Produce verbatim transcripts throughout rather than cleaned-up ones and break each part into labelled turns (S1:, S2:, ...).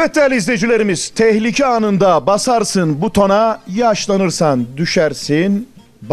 S1: Evet değerli izleyicilerimiz, tehlike anında basarsın butona, yaşlanırsan düşersin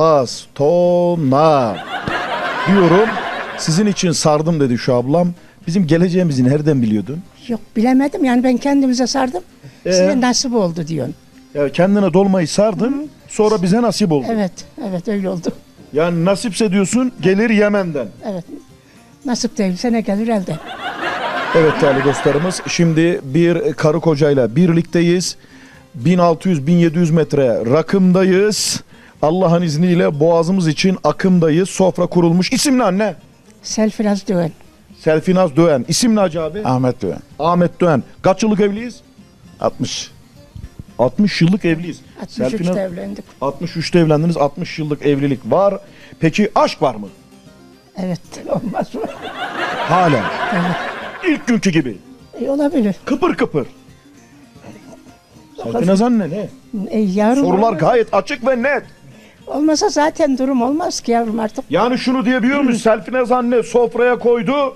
S1: bastona diyorum. Sizin için sardım dedi şu ablam. Bizim geleceğimizi nereden biliyordun?
S2: Yok bilemedim yani ben kendimize sardım.
S1: Ee?
S2: Size nasip oldu diyorsun.
S1: Ya kendine dolmayı sardın, sonra bize nasip oldu.
S2: Evet, evet öyle oldu.
S1: Yani nasipse diyorsun gelir Yemen'den.
S2: Evet. Nasip değilse ne gelir elde.
S1: Evet değerli dostlarımız, şimdi bir karı kocayla birlikteyiz. bin altı yüz bin yedi yüz metre rakımdayız. Allah'ın izniyle boğazımız için akımdayız. Sofra kurulmuş. İsim ne anne?
S2: Selfiraz Döven.
S1: Selfinaz Döğen. İsim ne hacı abi?
S3: Ahmet Doğan.
S1: Ahmet Döğen. Kaç yıllık evliyiz?
S3: altmış.
S1: altmış yıllık evliyiz.
S2: altmış üçte
S1: Selfinaz-
S2: evlendik.
S1: altmış üçte evlendiniz. altmış yıllık evlilik var. Peki aşk var mı?
S2: Evet olmaz mı?
S1: Hala.
S2: Evet.
S1: İlk günkü gibi.
S2: E, olabilir.
S1: Kıpır kıpır. Selfinaz anne ne?
S2: E, yavrum
S1: Sorular
S2: olmaz.
S1: gayet açık ve net.
S2: Olmasa zaten durum olmaz ki yavrum artık.
S1: Yani şunu diyebiliyor muyuz? Selfinaz anne sofraya koydu.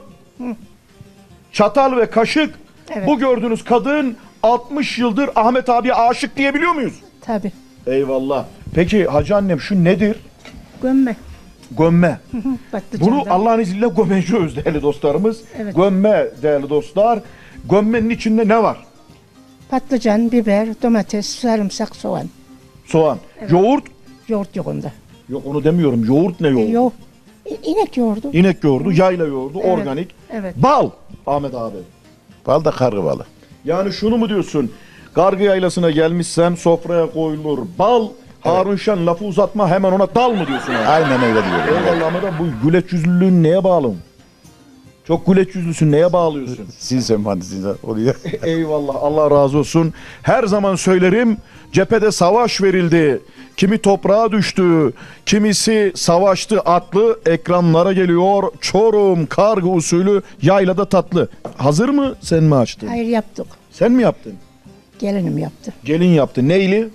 S1: Çatal ve kaşık.
S2: Evet.
S1: Bu gördüğünüz kadın altmış yıldır Ahmet abiye aşık diyebiliyor muyuz?
S2: Tabii.
S1: Eyvallah. Peki hacı annem şu nedir?
S2: Gömme.
S1: Gömme.
S2: Patlıcandan.
S1: Bunu Allah'ın izniyle gömeceğiz değerli dostlarımız.
S2: Evet.
S1: Gömme değerli dostlar. Gömmenin içinde ne var?
S2: Patlıcan, biber, domates, sarımsak, soğan.
S1: Soğan. Yoğurt.
S2: Yoğurt yok onda.
S1: Yok onu demiyorum. Yoğurt ne
S2: E,
S1: yoğurt?
S2: yok. İ- İnek yoğurdu.
S1: İnek yoğurdu, yayla yoğurdu,
S2: Evet,
S1: organik.
S2: evet.
S1: Bal Ahmet abi.
S3: Bal da kargı balı.
S1: Yani şunu mu diyorsun? Gargı yaylasına gelmişsen sofraya koyulur bal. Harun Şen lafı uzatma hemen ona dal mı diyorsun? Yani?
S3: Aynen öyle diyorum.
S1: Eyvallah Ahmet abi, bu güleç yüzlülüğün neye bağlı? Çok güleç yüzlüsün, neye bağlıyorsun?
S3: Sinsen fantasisi oluyor.
S1: Eyvallah, Allah razı olsun. Her zaman söylerim, cephede savaş verildi. Kimi toprağa düştü, kimisi savaştı atlı. Ekranlara geliyor Çorum kargı usulü yaylada tatlı. Hazır mı, sen mi açtın?
S2: Hayır yaptık.
S1: Sen mi yaptın?
S2: Gelinim yaptı.
S1: Gelin yaptı. Neyli?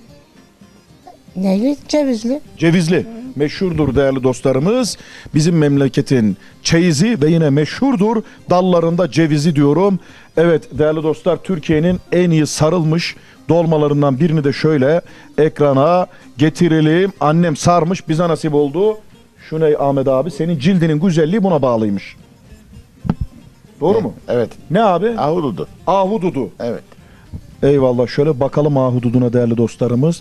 S2: Neyli? Cevizli.
S1: Cevizli. Meşhurdur değerli dostlarımız. Bizim memleketin çeyizi ve yine meşhurdur dallarında cevizi diyorum. Evet değerli dostlar, Türkiye'nin en iyi sarılmış dolmalarından birini de şöyle ekrana getirelim. Annem sarmış, bize nasip oldu. Şu ne Ahmet abi, senin cildinin güzelliği buna bağlıymış. Doğru mu?
S3: Evet.
S1: Ne abi?
S3: Ahududu.
S1: Ahududu.
S3: Evet.
S1: Eyvallah, şöyle bakalım ahududuna değerli dostlarımız.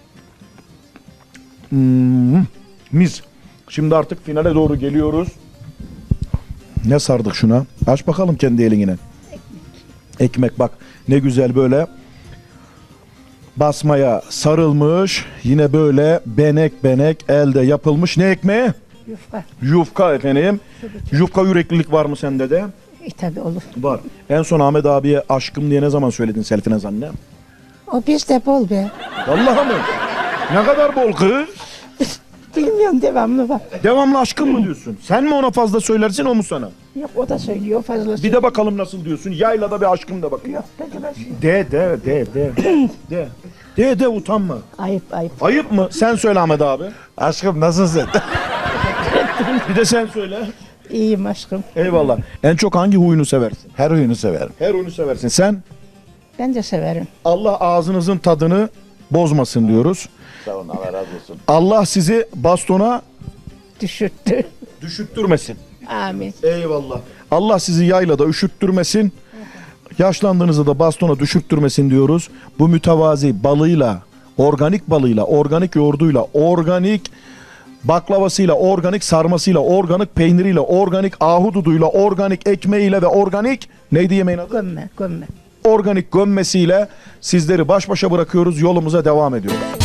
S1: Hmm, mis. Şimdi artık finale doğru geliyoruz. Ne sardık şuna? Aç bakalım kendi eline. Ekmek bak ne güzel böyle basmaya sarılmış. Yine böyle benek benek elde yapılmış. Ne ekmeği?
S2: Yufka.
S1: Yufka efendim. Yufka yüreklilik var mı sende de?
S2: E tabi olur.
S1: Var. En son Ahmet abiye aşkım diye ne zaman söyledin Selfinaz anne?
S2: O bizde bol be.
S1: Vallahi mı? Ne kadar bol kız?
S2: Bilmiyorum devamlı var.
S1: Devamlı aşkım mı diyorsun? Sen mi ona fazla söylersin, o mu sana?
S2: Yok o da söylüyor fazla.
S1: Bir de bakalım nasıl diyorsun. Yaylada bir aşkım da bakayım.
S2: Yok peki ben şey-
S1: De de de de. De. De de utanma.
S2: Ayıp ayıp.
S1: Ayıp mı? Sen söyle Ahmet abi.
S3: Aşkım nasılsın?
S1: Bir de sen söyle.
S2: İyiyim aşkım.
S1: Eyvallah. En çok hangi huyunu seversin?
S3: Her huyunu severim.
S1: Her huyunu seversin. Sen?
S2: Ben de severim.
S1: Allah ağzınızın tadını bozmasın diyoruz.
S3: Sağ olun, Allah razı olsun.
S1: Allah sizi bastona
S2: Düşürttü.
S1: düşürttürmesin.
S2: Amin.
S1: Eyvallah. Allah sizi yaylada üşüttürmesin. Yaşlandığınızda da bastona düşürttürmesin diyoruz. Bu mütevazi balıyla, organik balıyla, organik yoğurduyla, organik baklavasıyla, organik sarmasıyla, organik peyniriyle, organik ahududuyla, organik ekmeğiyle ve organik neydi yemeğin adı?
S2: Gömme gömme.
S1: Organik gömmesiyle sizleri baş başa bırakıyoruz. Yolumuza devam ediyoruz.